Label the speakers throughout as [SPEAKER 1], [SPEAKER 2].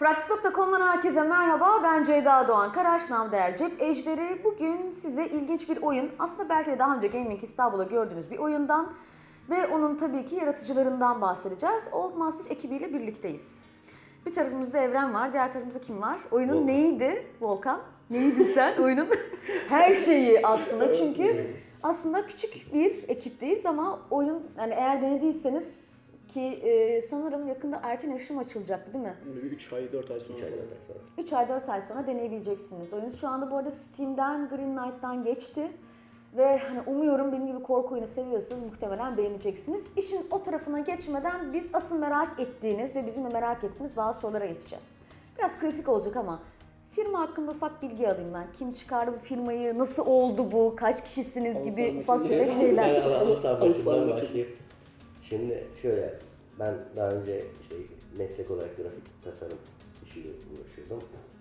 [SPEAKER 1] Frax.com'dan herkese merhaba. Ben Ceyda Doğan Karaş, namı Cep Ejderi. Bugün size ilginç bir oyun, aslında belki de daha önce Gaming İstanbul'da gördüğünüz bir oyundan ve onun tabii ki yaratıcılarından bahsedeceğiz. Old Masters ekibiyle birlikteyiz. Bir tarafımızda Evren var, diğer tarafımızda kim var? Oyunun
[SPEAKER 2] Volkan.
[SPEAKER 1] Neydi Volkan? Neydi sen oyunun? Her şeyi aslında, çünkü aslında küçük bir ekipteyiz ama oyun, yani eğer denediyseniz ki sanırım yakında erken erişim açılacaktı değil mi?
[SPEAKER 3] 3 ay 4 ay sonra.
[SPEAKER 2] 3 ay 4 ay sonra.
[SPEAKER 1] 3 ay 4 ay sonra deneyebileceksiniz. Oyun şu anda bu arada Steam'den Greenlight'tan geçti. Ve hani umuyorum benim gibi korku oyunu seviyorsanız muhtemelen beğeneceksiniz. İşin o tarafına geçmeden biz asıl merak ettiğiniz ve bizim de merak ettiğimiz bazı sorulara geçeceğiz. Biraz klasik olacak ama firma hakkında ufak bilgi alayım ben. Kim çıkardı bu firmayı, nasıl oldu bu, kaç kişisiniz gibi
[SPEAKER 3] Alsam
[SPEAKER 1] ufak
[SPEAKER 3] bakayım.
[SPEAKER 1] tefek şeyler.
[SPEAKER 2] Ben Alı Sabahçı'dan
[SPEAKER 3] Bakayım.
[SPEAKER 2] başlayayım. Şimdi şöyle, ben daha önce işte meslek olarak grafik tasarım işiyle uğraşıyordum.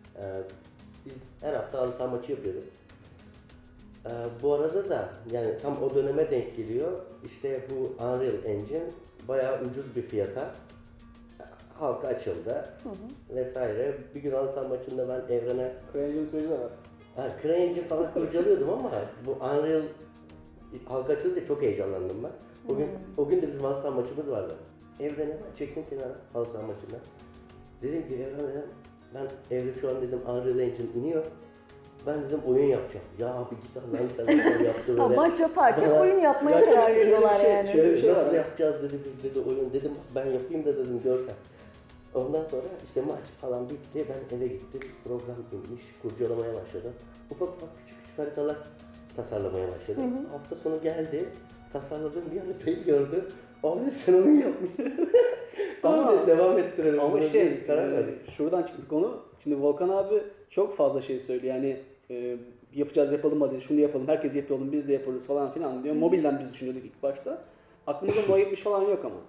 [SPEAKER 2] Biz her hafta halı saha maçı yapıyorduk. Bu arada da yani tam o döneme denk geliyor. İşte bu Unreal Engine bayağı ucuz bir fiyata halka açıldı vesaire. Bir gün halı saha maçında ben Evren'e
[SPEAKER 3] CryEngine süreci de var.
[SPEAKER 2] CryEngine falan kurcalıyordum ama bu Unreal halka açılınca çok heyecanlandım ben. O gün de bizim halı saha maçımız vardı. Evren'e çektim kenara halı saha maçından. Dedim ki Evren dedim, ben evde şu an dedim Unreal Engine iniyor. Ben dedim oyun yapacağım. Ya abi git Allah'ını seversen yaptı
[SPEAKER 1] Ha,
[SPEAKER 2] böyle.
[SPEAKER 1] maç yaparken
[SPEAKER 2] Bana-
[SPEAKER 1] oyun yapmaya
[SPEAKER 3] Ya
[SPEAKER 1] karar
[SPEAKER 3] şöyle bir
[SPEAKER 1] veriyorlar
[SPEAKER 3] şey-
[SPEAKER 1] yani.
[SPEAKER 3] şöyle bir şey
[SPEAKER 2] Nasıl
[SPEAKER 3] var.
[SPEAKER 2] yapacağız dedi biz dedi oyun. Dedim ben yapayım da dedim görsen. Ondan sonra işte maç falan bitti. Ben eve gittim. Program inmiş. Kurcalamaya başladım. Ufak ufak küçük küçük haritalar tasarlamaya başladım. Hafta sonu geldi. Tasarladığım bir haritayı gördü. Abi sen oyun yapmışsın. Tamam
[SPEAKER 3] Ama-
[SPEAKER 2] dedi, devam ettirelim.
[SPEAKER 3] Ama
[SPEAKER 2] Buna
[SPEAKER 3] şey,
[SPEAKER 2] biz karar verdik.
[SPEAKER 3] şuradan çıktı konu. Şimdi Volkan abi çok fazla şey söylüyor. Yani yapacağız yapalım hadi şunu yapalım, herkes yapalım biz de yaparız falan filan diyor. Mobilden biz düşünüyorduk ilk başta. Aklımızda No 70 falan yok ama.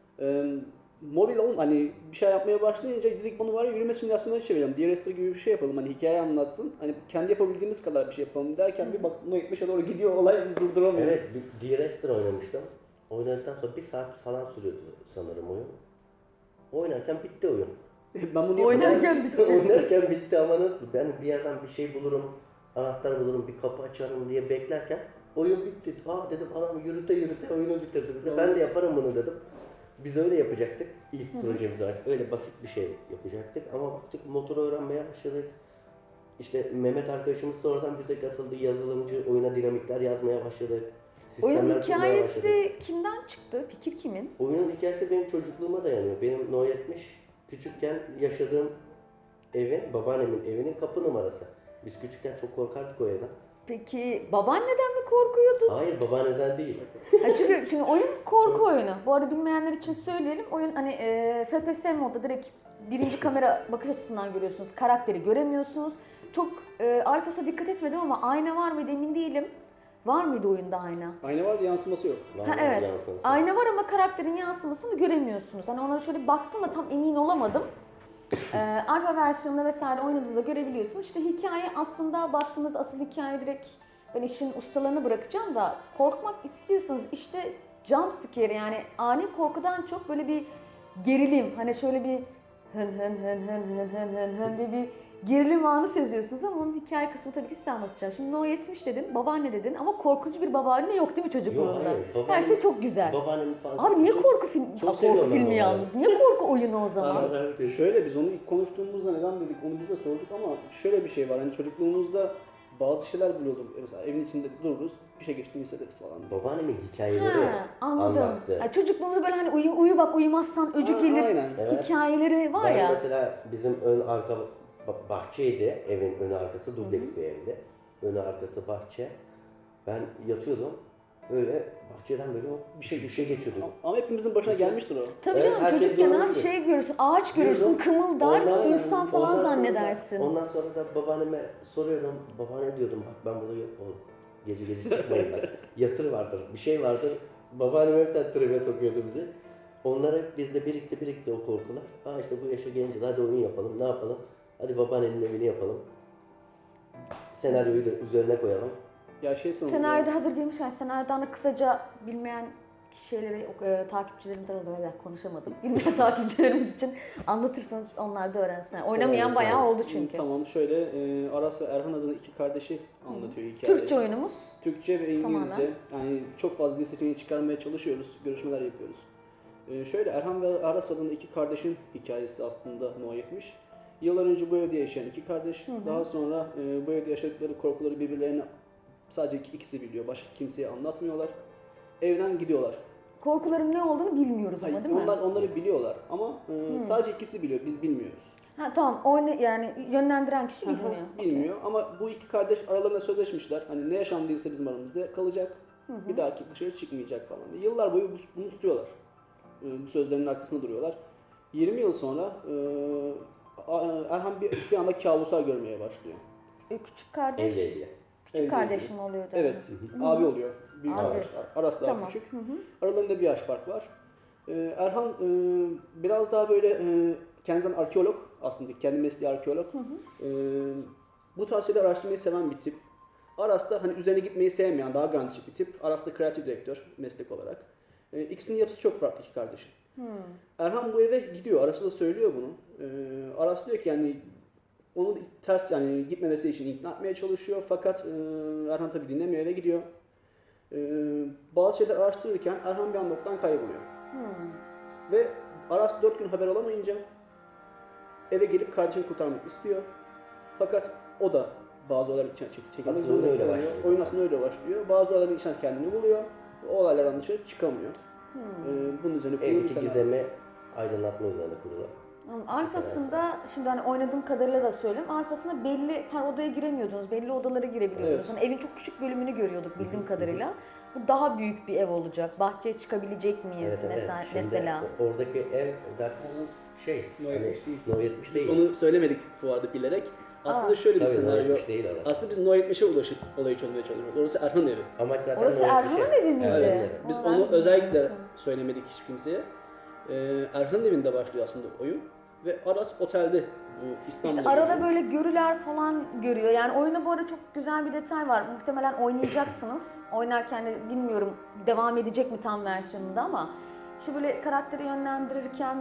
[SPEAKER 3] Mobil hani bir şey yapmaya başlayınca dedik bunu var ya yürüme simülasyonuna çevirelim. DRS'de gibi bir şey yapalım. Hani hikaye anlatsın. Hani kendi yapabildiğimiz kadar bir şey yapalım derken bir baktık No 70'e doğru gidiyor olay biz durduramıyoruz.
[SPEAKER 2] Evet, bir D-Rester oynamıştım. Oynadıktan sonra 1 saat falan sürüyordu sanırım oyun. Oynarken bitti oyun.
[SPEAKER 3] Ben bunu
[SPEAKER 1] Oynarken bitti.
[SPEAKER 2] Oynarken bitti ama nasıl? Ben bir yerden bir şey bulurum, anahtar bulurum, bir kapı açarım diye beklerken oyun bitti. Aa dedim anam yürüte yürüte oyunu bitirdim. Ben de yaparım bunu dedim. Biz öyle yapacaktık. İlk projemiz olarak öyle basit bir şey yapacaktık ama baktık motoru öğrenmeye başladık. İşte Mehmet arkadaşımız sonradan bize katıldı. Yazılımcı, oyuna dinamikler yazmaya başladık.
[SPEAKER 1] Oyunun
[SPEAKER 2] Sistemler kurmaya başladık.
[SPEAKER 1] hikayesi kimden çıktı? Fikir kimin?
[SPEAKER 2] Oyunun hikayesi benim çocukluğuma dayanıyor. Benim No 70 küçükken yaşadığım evin, babaannemin evinin kapı numarası. Biz küçükken çok korkardık o evden.
[SPEAKER 1] Peki babaanneden mi korkuyordu?
[SPEAKER 2] Hayır babaanneden değil.
[SPEAKER 1] Ha, çünkü şimdi oyun korku oyunu. Bu arada bilmeyenler için söyleyelim. Oyun hani FPS modda direkt birinci kamera bakış açısından görüyorsunuz. Karakteri göremiyorsunuz. Çok alfasına dikkat etmedim ama ayna var mıydı emin değilim. Var mıydı oyunda ayna?
[SPEAKER 3] Ayna vardı yansıması yok.
[SPEAKER 1] Ha, evet. Ayna var ama karakterin yansımasını göremiyorsunuz. Hani ona şöyle baktım da tam emin olamadım. Alfa versiyonunda vesaire oynadığınızda görebiliyorsunuz. İşte hikaye aslında baktığınız asıl hikaye direkt ben işin ustalarını bırakacağım da korkmak istiyorsanız işte jump scare yani ani korkudan çok böyle bir gerilim. Hani şöyle bir hın hın hın hın hın hın hın hın diye bir gerilim anı seziyorsunuz ama onun hikaye kısmı tabii ki size anlatacağım. Şimdi No 70 dedin, babaanne dedin ama korkunç bir babaanne yok değil mi çocukluğunda?
[SPEAKER 2] Yok, hayır, babaanne-
[SPEAKER 1] Her şey çok güzel.
[SPEAKER 2] Babaannemin falan.
[SPEAKER 1] Abi niye
[SPEAKER 2] çok-
[SPEAKER 1] korku filmi?
[SPEAKER 2] çok
[SPEAKER 1] Korku
[SPEAKER 2] seviyorum ben
[SPEAKER 1] filmi
[SPEAKER 2] babaanneyi.
[SPEAKER 1] yalnız. Niye korku oyunu o zaman?
[SPEAKER 3] Şöyle biz onu ilk konuştuğumuzda neden dedik onu biz de sorduk ama şöyle bir şey var hani çocukluğumuzda bazı şeyler bile olur. Mesela evin içinde dururuz bir şey geçtiğini hissederiz falan.
[SPEAKER 2] Babaannemin hikayeleri
[SPEAKER 1] Ha, anladım.
[SPEAKER 2] anlattı.
[SPEAKER 1] Yani çocukluğumuzda böyle hani uyu bak uyumazsan öcü
[SPEAKER 3] Ha,
[SPEAKER 1] gelir
[SPEAKER 3] aynen.
[SPEAKER 2] Evet.
[SPEAKER 1] hikayeleri var
[SPEAKER 2] Ben
[SPEAKER 1] ya.
[SPEAKER 2] mesela bizim ön arka bahçeydi, evin önü arkası dubleks bir evdi. Önü arkası bahçe. Ben yatıyordum. Öyle bahçeden böyle bir şey geçiyordu.
[SPEAKER 3] Ama hepimizin başına gelmiştir o.
[SPEAKER 1] Tabii
[SPEAKER 2] Evet,
[SPEAKER 1] canım
[SPEAKER 2] herkes
[SPEAKER 1] çocukken abi
[SPEAKER 2] görmüştür.
[SPEAKER 1] şey görürsün, ağaç görürsün,
[SPEAKER 2] Diyordum,
[SPEAKER 1] kımıldar,
[SPEAKER 2] ondan-
[SPEAKER 1] insan falan
[SPEAKER 2] ondan sonra da-
[SPEAKER 1] zannedersin.
[SPEAKER 2] Ondan sonra da babaanneme soruyordum. Babaanne diyordum bak ben burada yok oğlum. Gece çıkmayın bak. Yatır vardır, bir şey vardır. Babaannem hep tribe sokuyordu bizi. Onlar hep bizde birikti o korkular. Ha işte bu yaşa gelince hadi oyun yapalım, ne yapalım? Hadi babaannenin evini yapalım. Senaryoyu da üzerine koyalım.
[SPEAKER 3] Ya şey sanırım.
[SPEAKER 1] Senaryoda hazır girmişler. Senaryodan da kısaca bilmeyen şeyleri takipçilerim de konuşamadım. Bilmeyen takipçilerimiz için anlatırsanız onlar da öğrensinler. Oynamayan
[SPEAKER 2] Severler,
[SPEAKER 1] bayağı
[SPEAKER 2] severler.
[SPEAKER 1] oldu çünkü.
[SPEAKER 3] Tamam şöyle Aras ve Erhan adına iki kardeşi anlatıyor hikayeyi.
[SPEAKER 1] Türkçe oyunumuz.
[SPEAKER 3] Türkçe ve İngilizce.
[SPEAKER 1] Tamamen.
[SPEAKER 3] Yani çok fazla dil seçeneği çıkarmaya çalışıyoruz. Görüşmeler yapıyoruz. Şöyle Erhan ve Aras adında iki kardeşin hikayesi aslında No 70. Yıllar önce bu evde yaşayan iki kardeş. Daha sonra bu evde yaşadıkları korkuları birbirlerine sadece ikisi biliyor. Başka kimseye anlatmıyorlar. Evden gidiyorlar.
[SPEAKER 1] Korkuların ne olduğunu bilmiyoruz ama
[SPEAKER 3] Hayır,
[SPEAKER 1] değil mi?
[SPEAKER 3] onlar onları biliyorlar ama sadece ikisi biliyor. Biz bilmiyoruz.
[SPEAKER 1] Ha tamam. Yani yönlendiren kişi bilmiyor.
[SPEAKER 3] Bilmiyor ama bu iki kardeş aralarında sözleşmişler. Hani ne yaşandıysa bizim aramızda kalacak. Bir dahaki dışarı çıkmayacak falan diye. Yıllar boyu bunu tutuyorlar. Bu sözlerinin arkasında duruyorlar. 20 yıl sonra Erhan bir anda kabuslar görmeye başlıyor.
[SPEAKER 1] Küçük kardeş.
[SPEAKER 2] Evli.
[SPEAKER 1] Küçük
[SPEAKER 3] Evli.
[SPEAKER 1] kardeş mi oluyordu?
[SPEAKER 3] Evet, abi oluyor. Büyük
[SPEAKER 1] Abi.
[SPEAKER 3] kardeş. Aras daha
[SPEAKER 1] Tamam.
[SPEAKER 3] küçük. Aralarında bir yaş fark var. Erhan biraz daha böyle kendisinden arkeolog aslında, kendi mesleği arkeolog. Bu tarz şeyler araştırmayı seven bir tip. Aras da hani üzerine gitmeyi sevmeyen, daha garantici bir tip. Aras da kreatif direktör meslek olarak. İkisinin yapısı çok farklı iki kardeşin. Erhan bu eve gidiyor, Aras'a da söylüyor bunu. Aras diyor ki yani onu ters yani gitmemesi için ikna etmeye çalışıyor fakat Erhan tabii dinlemiyor, eve gidiyor. Bazı şeyler araştırırken Erhan bir anda ortadan kayboluyor. Ve Aras 4 gün haber alamayınca eve gelip kardeşini kurtarmak istiyor. Fakat o da bazı olaylar içine çekilmek
[SPEAKER 2] Aslında
[SPEAKER 3] zorunda
[SPEAKER 2] öyle
[SPEAKER 3] kalıyor.
[SPEAKER 2] başlıyor
[SPEAKER 3] Oyun
[SPEAKER 2] zaten.
[SPEAKER 3] aslında öyle başlıyor. Bazı olayların içine kendini buluyor. O olaylardan dışarı çıkamıyor. Bunun üzerine kurulu bir
[SPEAKER 2] Evdeki
[SPEAKER 3] senaryo.
[SPEAKER 2] gizemi aydınlatma üzerine kurulan.
[SPEAKER 1] Alfasında şimdi hani oynadığım kadarıyla da söyleyeyim. Alfasında belli her odaya giremiyordunuz. Belli odalara girebiliyordunuz.
[SPEAKER 3] Evet.
[SPEAKER 1] Hani evin çok küçük bölümünü görüyorduk bildiğim kadarıyla. Bu daha büyük bir ev olacak. Bahçeye çıkabilecek miyiz mesela?
[SPEAKER 2] Şimdi
[SPEAKER 1] mesela?
[SPEAKER 2] oradaki ev zaten şey,
[SPEAKER 3] No
[SPEAKER 2] hani
[SPEAKER 3] 70 değil.
[SPEAKER 2] No 70
[SPEAKER 3] Biz
[SPEAKER 2] değil.
[SPEAKER 3] onu söylemedik bu arada bilerek. Aslında şöyle bir
[SPEAKER 2] Tabii No
[SPEAKER 3] senaryo.
[SPEAKER 2] 70 değil orası.
[SPEAKER 3] Aslında biz No 70'e ulaşıp olayı çözmeye çalışıyoruz. Orası Erhan evi.
[SPEAKER 2] Amaç zaten
[SPEAKER 1] Orası
[SPEAKER 2] No 70'e.
[SPEAKER 1] Erhan'ın evi miydi?
[SPEAKER 2] Evet.
[SPEAKER 3] Biz
[SPEAKER 1] Aa,
[SPEAKER 3] onu
[SPEAKER 1] ben
[SPEAKER 3] özellikle
[SPEAKER 1] bilmiyorum.
[SPEAKER 3] söylemedik hiç kimseye. Erhan'ın evinde başlıyor aslında oyun. Ve Aras otelde bu İstanbul'da.
[SPEAKER 1] İşte arada
[SPEAKER 3] geliyor.
[SPEAKER 1] böyle görüler falan görüyor. Yani oyunda bu arada çok güzel bir detay var. Muhtemelen oynayacaksınız. Oynarken de bilmiyorum devam edecek mi tam versiyonunda ama işte böyle karakteri yönlendirirken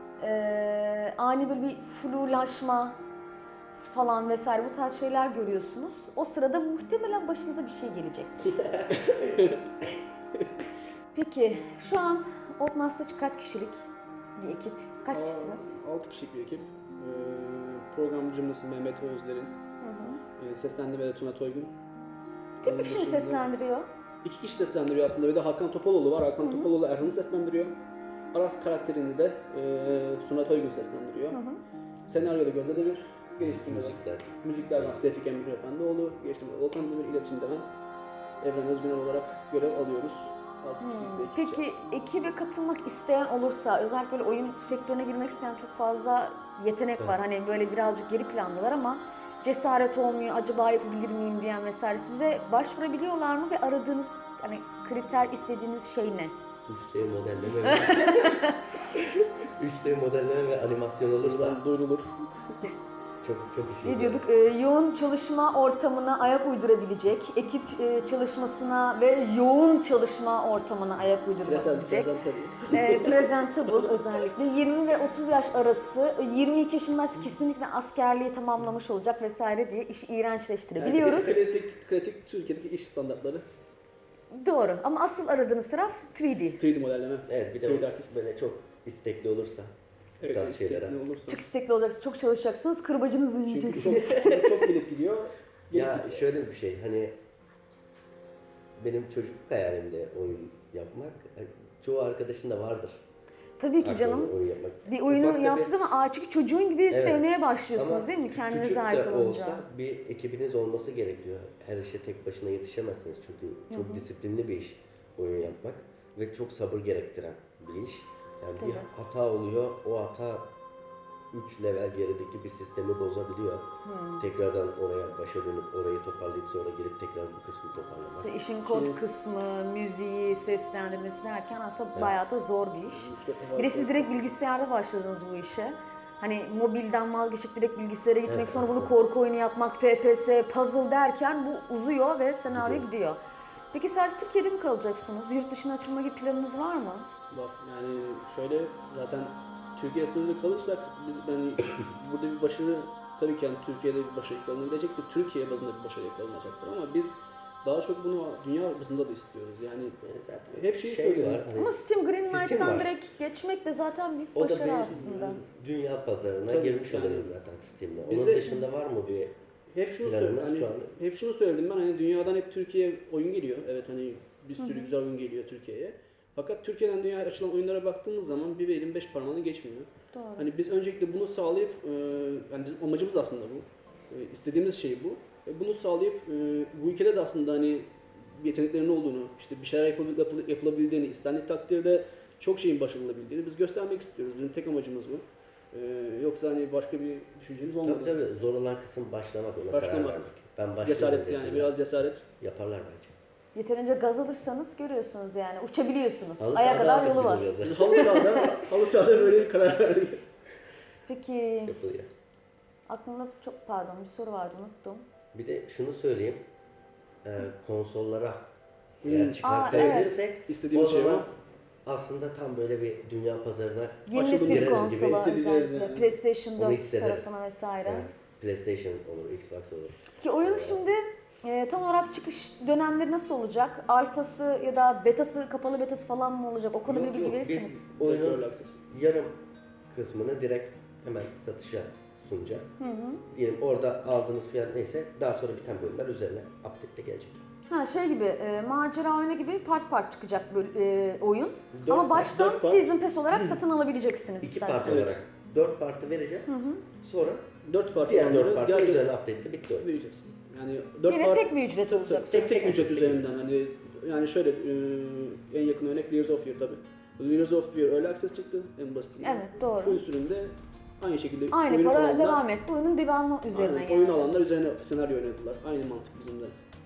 [SPEAKER 1] ani böyle bir flulaşma falan vesaire bu tarz şeyler görüyorsunuz. O sırada muhtemelen başınıza bir şey gelecek. Peki şu an Oddmaster kaç kişilik bir ekip? Kaç kişisiniz?
[SPEAKER 3] 6 kişilik bir ekip. Programcımız Mehmet Özler'in. Seslendirmede Tuna Toygun.
[SPEAKER 1] Tek bir kişi mi
[SPEAKER 3] dışında-
[SPEAKER 1] seslendiriyor?
[SPEAKER 3] 2 kişi seslendiriyor aslında. Bir de Hakan Topaloğlu var. Hakan Topaloğlu Erhan'ı seslendiriyor. Aras karakterini de Tuna Toygun seslendiriyor. Senaryoda Gözde Demir. Geliştirmede
[SPEAKER 2] Müzikler.
[SPEAKER 3] müzikler var. Tevfik Emre Efendioğlu. Geliştirmede Volkan Demir. İletişimde ben. Evren Özgüner olarak görev alıyoruz. 6 kişilik bir ekip
[SPEAKER 1] Peki
[SPEAKER 3] içerisinde.
[SPEAKER 1] ekibe katılmak isteyen olursa, özellikle böyle oyun sektörüne girmek isteyen çok fazla yetenek var. Hani böyle birazcık geri plandalar ama cesaret olmuyor, acaba yapabilir miyim diyen vesaire. Size başvurabiliyorlar mı ve aradığınız hani kriter istediğiniz şey ne?
[SPEAKER 2] 3D modelleme ve 3D modelleme ve animasyon olursa
[SPEAKER 3] Buradan duyurulur.
[SPEAKER 2] çok işimiz
[SPEAKER 1] Ne
[SPEAKER 2] var.
[SPEAKER 1] diyorduk? Yoğun çalışma ortamına ayak uydurabilecek, ekip çalışmasına ve yoğun çalışma ortamına ayak uydurabilecek. Presentable özellikle 20 ve 30 yaş arası 22 yaşındaysa kesinlikle askerliği tamamlamış olacak vesaire diye işi iğrençleştirebiliyoruz.
[SPEAKER 3] Klasik Türkiye'deki iş standartları.
[SPEAKER 1] Doğru ama asıl aradığınız taraf 3D.
[SPEAKER 3] 3D modelleme.
[SPEAKER 2] Evet, bir de
[SPEAKER 3] 3D artist.
[SPEAKER 2] böyle çok istekli olursa
[SPEAKER 3] Evet,
[SPEAKER 2] tarz şeylere.
[SPEAKER 3] istekli olursa.
[SPEAKER 1] Çok istekli olacaksınız, çok çalışacaksınız, kırbacınızı
[SPEAKER 3] Çünkü
[SPEAKER 1] yiyeceksiniz.
[SPEAKER 3] çok gelip gidiyor. Gelip
[SPEAKER 2] Ya
[SPEAKER 3] gidiyor.
[SPEAKER 2] şöyle bir şey, hani benim çocukluk hayalimde oyun yapmak, çoğu arkadaşın da vardır.
[SPEAKER 1] Tabii ki
[SPEAKER 2] Aklında
[SPEAKER 1] canım.
[SPEAKER 2] oyun yapmak.
[SPEAKER 1] Bir oyunu
[SPEAKER 2] Ufak da
[SPEAKER 1] yaptığı zaman çünkü çocuğun gibi
[SPEAKER 2] Evet.
[SPEAKER 1] sevmeye başlıyorsunuz
[SPEAKER 2] Ama
[SPEAKER 1] değil mi? Kendinize
[SPEAKER 2] küçük
[SPEAKER 1] ait
[SPEAKER 2] de
[SPEAKER 1] olunca.
[SPEAKER 2] olsa bir ekibiniz olması gerekiyor. Her işe tek başına yetişemezsiniz çünkü çok disiplinli bir iş oyun yapmak ve çok sabır gerektiren bir iş. Yani bir
[SPEAKER 1] Tabii.
[SPEAKER 2] hata oluyor, o hata 3 level gerideki bir sistemi bozabiliyor. Tekrardan oraya başa dönüp orayı toparlayıp sonra gelip tekrar bu kısmı toparlamak.
[SPEAKER 1] İşte işin kod kısmı, müziği, seslendirmesi derken aslında
[SPEAKER 2] Evet.
[SPEAKER 1] bayağı da zor bir iş. Bir de siz direkt bilgisayarda başladınız bu işe. Hani mobilden vazgeçip direkt bilgisayara gitmek,
[SPEAKER 2] Evet,
[SPEAKER 1] sonra bunu
[SPEAKER 2] evet.
[SPEAKER 1] korku oyunu yapmak, FPS, puzzle derken bu uzuyor ve senaryo gidiyor. Peki sadece Türkiye'de mi kalacaksınız? Yurt dışına açılma gibi planınız var mı?
[SPEAKER 3] Var. Yani şöyle zaten Türkiye sınırında kalırsak biz yani burada bir başarı tabii ki yani Türkiye'de bir başarı yakalaнаbilecektir. Türkiye bazında bir başarı yakalanacaktır ama biz daha çok bunu dünya bazında da istiyoruz. Yani hep şeyi söylüyorum.
[SPEAKER 2] var. Hani
[SPEAKER 1] Ama Steam
[SPEAKER 2] Steam
[SPEAKER 1] Greenlight'tan
[SPEAKER 2] var.
[SPEAKER 1] direkt geçmek de zaten büyük
[SPEAKER 2] O da
[SPEAKER 1] başarı
[SPEAKER 2] bir
[SPEAKER 1] aslında.
[SPEAKER 2] dünya pazarına
[SPEAKER 3] Tabii,
[SPEAKER 2] girmiş
[SPEAKER 3] yani.
[SPEAKER 2] oluruz zaten Steam'le. Onun
[SPEAKER 3] Bizde-
[SPEAKER 2] dışında var mı bir
[SPEAKER 3] Hep şunu
[SPEAKER 2] planımız
[SPEAKER 3] söyledim. Hani
[SPEAKER 2] şu an?
[SPEAKER 3] hep şunu söyledim ben hani dünyadan hep Türkiye oyun geliyor. Evet hani bir sürü güzel oyun geliyor Türkiye'ye. Fakat Türkiye'den dünyaya açılan oyunlara baktığımız zaman bir elin 5 parmağını geçmiyor.
[SPEAKER 1] Doğru.
[SPEAKER 3] Hani biz öncelikle bunu sağlayıp yani bizim amacımız aslında bu. İstediğimiz şey bu. Bunu sağlayıp bu ülkede de aslında hani yeteneklerin olduğunu, işte bir şeyler yapılabildiğini, istendiği takdirde çok şeyin başarılabildiğini biz göstermek istiyoruz. Bizim tek amacımız bu. Yoksa hani başka bir düşüncemiz olmadı.
[SPEAKER 2] Tabii zor olan kısım başlamak, ona karar
[SPEAKER 3] Başlamak.
[SPEAKER 2] vermek. Ben başladım
[SPEAKER 3] Cesaret
[SPEAKER 2] desinler.
[SPEAKER 3] yani biraz cesaret.
[SPEAKER 2] Yaparlar bence.
[SPEAKER 1] Yeterince gaz alırsanız görüyorsunuz yani. Uçabiliyorsunuz.
[SPEAKER 2] Halı
[SPEAKER 1] Aya
[SPEAKER 2] sahada
[SPEAKER 1] kadar
[SPEAKER 2] aldık
[SPEAKER 1] yolu
[SPEAKER 2] biz
[SPEAKER 1] var.
[SPEAKER 2] o gazı.
[SPEAKER 3] Biz halı sahada böyle bir karar verdik.
[SPEAKER 1] Peki
[SPEAKER 2] Yapılıyor.
[SPEAKER 1] aklımda çok pardon bir soru vardı unuttum.
[SPEAKER 2] Bir de şunu söyleyeyim. Konsollara
[SPEAKER 3] Hmm.
[SPEAKER 2] eğer
[SPEAKER 1] Aa,
[SPEAKER 2] çıkartabilirsek o
[SPEAKER 3] İstediğimiz şey
[SPEAKER 2] zaman
[SPEAKER 3] var.
[SPEAKER 2] aslında tam böyle bir dünya pazarına
[SPEAKER 1] Yeni
[SPEAKER 3] Açılım
[SPEAKER 1] nesil
[SPEAKER 2] gireriz gibi
[SPEAKER 1] konsola
[SPEAKER 3] hissedeceğiz
[SPEAKER 1] özellikle
[SPEAKER 3] yani.
[SPEAKER 1] PlayStation
[SPEAKER 2] Onu
[SPEAKER 1] 4
[SPEAKER 2] hissederiz.
[SPEAKER 1] tarafına vesaire.
[SPEAKER 2] evet, PlayStation olur, Xbox olur.
[SPEAKER 1] Ki oyun şimdi tam olarak çıkış dönemleri nasıl olacak? Alfası ya da betası, kapalı betası falan mı olacak? O konuda
[SPEAKER 2] Yok,
[SPEAKER 1] bir bilgi
[SPEAKER 2] yok,
[SPEAKER 1] verirsiniz.
[SPEAKER 2] biz oyunun
[SPEAKER 3] Direktörlü akses.
[SPEAKER 2] yarım kısmını direkt hemen satışa sunacağız.
[SPEAKER 1] Hı hı.
[SPEAKER 2] Diyelim orada aldığınız fiyat neyse daha sonra biten bölümler üzerine update de gelecek.
[SPEAKER 1] Ha şey gibi macera oyunu gibi part part çıkacak oyun.
[SPEAKER 2] Dört
[SPEAKER 1] Ama
[SPEAKER 2] part,
[SPEAKER 1] baştan
[SPEAKER 2] dört part.
[SPEAKER 1] Season Pass olarak satın alabileceksiniz
[SPEAKER 2] İki part
[SPEAKER 1] isterseniz.
[SPEAKER 2] olarak 4 partı vereceğiz.
[SPEAKER 1] Hı hı.
[SPEAKER 2] Sonra
[SPEAKER 3] 4 parti
[SPEAKER 2] diğer 4
[SPEAKER 3] olanları
[SPEAKER 2] partı
[SPEAKER 3] diğer
[SPEAKER 2] üzerine update de bitti oyun.
[SPEAKER 3] vereceğiz. Yani 4
[SPEAKER 1] Yine
[SPEAKER 3] parti
[SPEAKER 1] tek bir ücret
[SPEAKER 3] tabii,
[SPEAKER 1] olacak.
[SPEAKER 3] tek ücret üzerinden hani yani şöyle en yakın örnek Layers of Fear tabii. Layers of Fear Early Access çıktı en basitinden.
[SPEAKER 1] Evet doğru.
[SPEAKER 3] Full sürümde aynı şekilde
[SPEAKER 1] Aynı
[SPEAKER 3] oyun
[SPEAKER 1] para
[SPEAKER 3] alanlar-
[SPEAKER 1] devam etti. Oyunun devamı üzerine
[SPEAKER 3] aynen,
[SPEAKER 1] yani.
[SPEAKER 3] oyun alanlar üzerine senaryo oynadılar. Aynı mantık bizim de.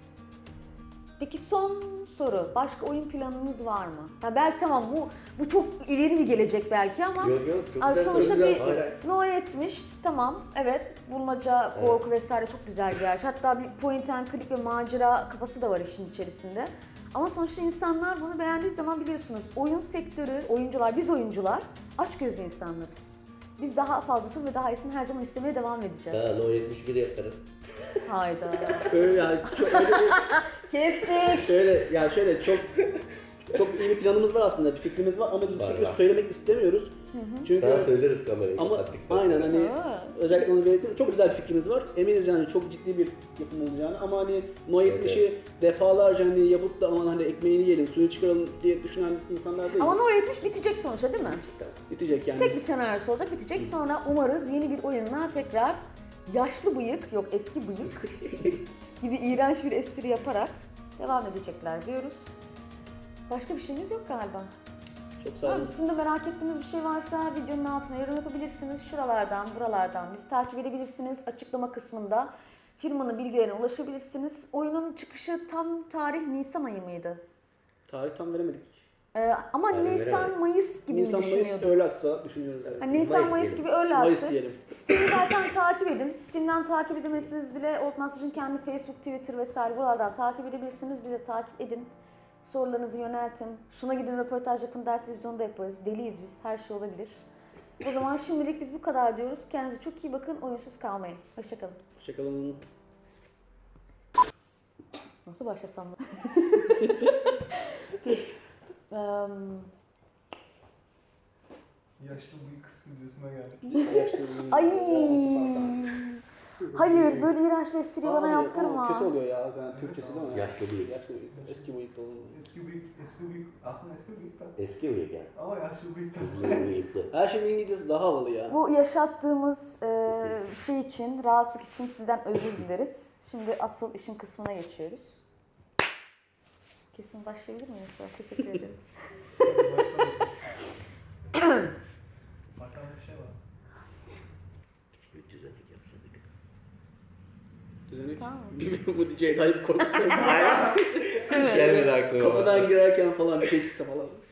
[SPEAKER 1] Peki son soru. Başka oyun planınız var mı? Ya belki tamam bu çok ileri bir gelecek belki ama
[SPEAKER 2] Yok yok çok
[SPEAKER 1] Abi
[SPEAKER 2] güzel.
[SPEAKER 1] sonuçta
[SPEAKER 2] çok
[SPEAKER 1] bir
[SPEAKER 2] güzel. Hayır, hayır.
[SPEAKER 1] No 70 tamam evet bulmaca, korku vesaire çok güzel bir yer. Hatta bir point and click ve macera kafası da var işin içerisinde. Ama sonuçta insanlar bunu beğendiği zaman biliyorsunuz oyun sektörü, oyuncular, biz oyuncular açgözlü insanlarız. Biz daha fazlasını ve daha iyisini her zaman istemeye devam edeceğiz.
[SPEAKER 2] Ha, No 71 yaparız.
[SPEAKER 1] Hayda.
[SPEAKER 3] Öyle yani çok öyle
[SPEAKER 1] Kestik.
[SPEAKER 3] şöyle çok iyi bir planımız var aslında, bir fikrimiz var ama biz bu
[SPEAKER 2] Var,
[SPEAKER 3] fikri
[SPEAKER 2] var.
[SPEAKER 3] söylemek istemiyoruz. Çünkü
[SPEAKER 2] Sana söyleriz kamerayı
[SPEAKER 3] ama
[SPEAKER 2] kapattıktan
[SPEAKER 3] aynen
[SPEAKER 2] sonra.
[SPEAKER 3] hani
[SPEAKER 1] Ha.
[SPEAKER 3] özellikle onu belirteyim. Çok güzel bir fikrimiz var. Eminiz yani çok ciddi bir yapım olacağını ama hani No 70'i defalarca hani yapıp da aman hani ekmeğini yiyelim, suyu çıkaralım diye düşünen insanlar değil.
[SPEAKER 1] Ama No 70 bitecek sonuçta değil mi?
[SPEAKER 3] Bitecek yani.
[SPEAKER 1] Tek bir senaryosu olacak, bitecek. Sonra umarız yeni bir oyunla tekrar yaşlı bıyık, yok eski bıyık gibi iğrenç bir espri yaparak devam edecekler diyoruz. Başka bir şeyimiz yok galiba.
[SPEAKER 3] Çok sağ olun.
[SPEAKER 1] Abi sizin de merak ettiğiniz bir şey varsa videonun altına yorum yapabilirsiniz. Şuralardan, buralardan bizi takip edebilirsiniz. Açıklama kısmında firmanın bilgilerine ulaşabilirsiniz. Oyunun çıkışı tam tarih Nisan ayı mıydı?
[SPEAKER 3] Tarih tam veremedik.
[SPEAKER 1] Ama
[SPEAKER 2] Aynen,
[SPEAKER 1] Nisan,
[SPEAKER 2] veremedik.
[SPEAKER 1] Mayıs gibi
[SPEAKER 3] Nisan Mayıs
[SPEAKER 1] düşünüyorduk.
[SPEAKER 3] Early Access olarak düşünüyoruz. Evet.
[SPEAKER 1] Hani Nisan,
[SPEAKER 2] Mayıs
[SPEAKER 1] Mayıs
[SPEAKER 2] diyelim.
[SPEAKER 1] gibi öyle
[SPEAKER 3] Mayıs
[SPEAKER 1] access.
[SPEAKER 3] diyelim.
[SPEAKER 1] Steam'i zaten takip edin. Steam'den takip edemezsiniz bile. Oldmaster'ın kendi Facebook, Twitter vesaire buralardan takip edebilirsiniz. Bize takip edin. Sorularınızı yöneltin. Şuna gidin röportaj yapın derseniz biz onu da yaparız. Deliyiz biz. Her şey olabilir. O zaman şimdilik biz bu kadar diyoruz. Kendinize çok iyi bakın. Oyunsuz kalmayın. Hoşçakalın.
[SPEAKER 3] Hoşçakalın.
[SPEAKER 1] Nasıl başlasam da?
[SPEAKER 4] Yaşlı bıyık stüdyosuna geldik.
[SPEAKER 3] Yaşlı bir-
[SPEAKER 1] Ay.
[SPEAKER 3] Spartan.
[SPEAKER 1] Hayır böyle iğrenç bir espri bana
[SPEAKER 3] Abi,
[SPEAKER 1] yaptırma.
[SPEAKER 3] ama kötü oluyor ya. Yani Türkçesi değil mi?
[SPEAKER 2] Yaşlı bıyık.
[SPEAKER 3] Yaşlı bıyık. Eski bıyık olur.
[SPEAKER 4] Eski bıyık, aslında eski bıyık da.
[SPEAKER 2] Eski bıyık yani.
[SPEAKER 4] Ama yaşlı bıyık da.
[SPEAKER 2] Hızlı bıyıklı.
[SPEAKER 3] Her şeyin İngilizcesi daha havalı ya.
[SPEAKER 1] Bu yaşattığımız şey için, rahatsızlık için sizden özür dileriz. Şimdi asıl işin kısmına geçiyoruz. Kesin başlayabilir miyim? Teşekkür ederim.
[SPEAKER 4] Bakalım bir şey var.
[SPEAKER 2] Bir düzenlik yapsadık.
[SPEAKER 3] Düzenek.
[SPEAKER 1] Tamam.
[SPEAKER 3] Bu DJ Tayyip korkutuyor.
[SPEAKER 2] Gelmedi aklıma.
[SPEAKER 3] Kapıdan girerken falan bir şey çıksa falan.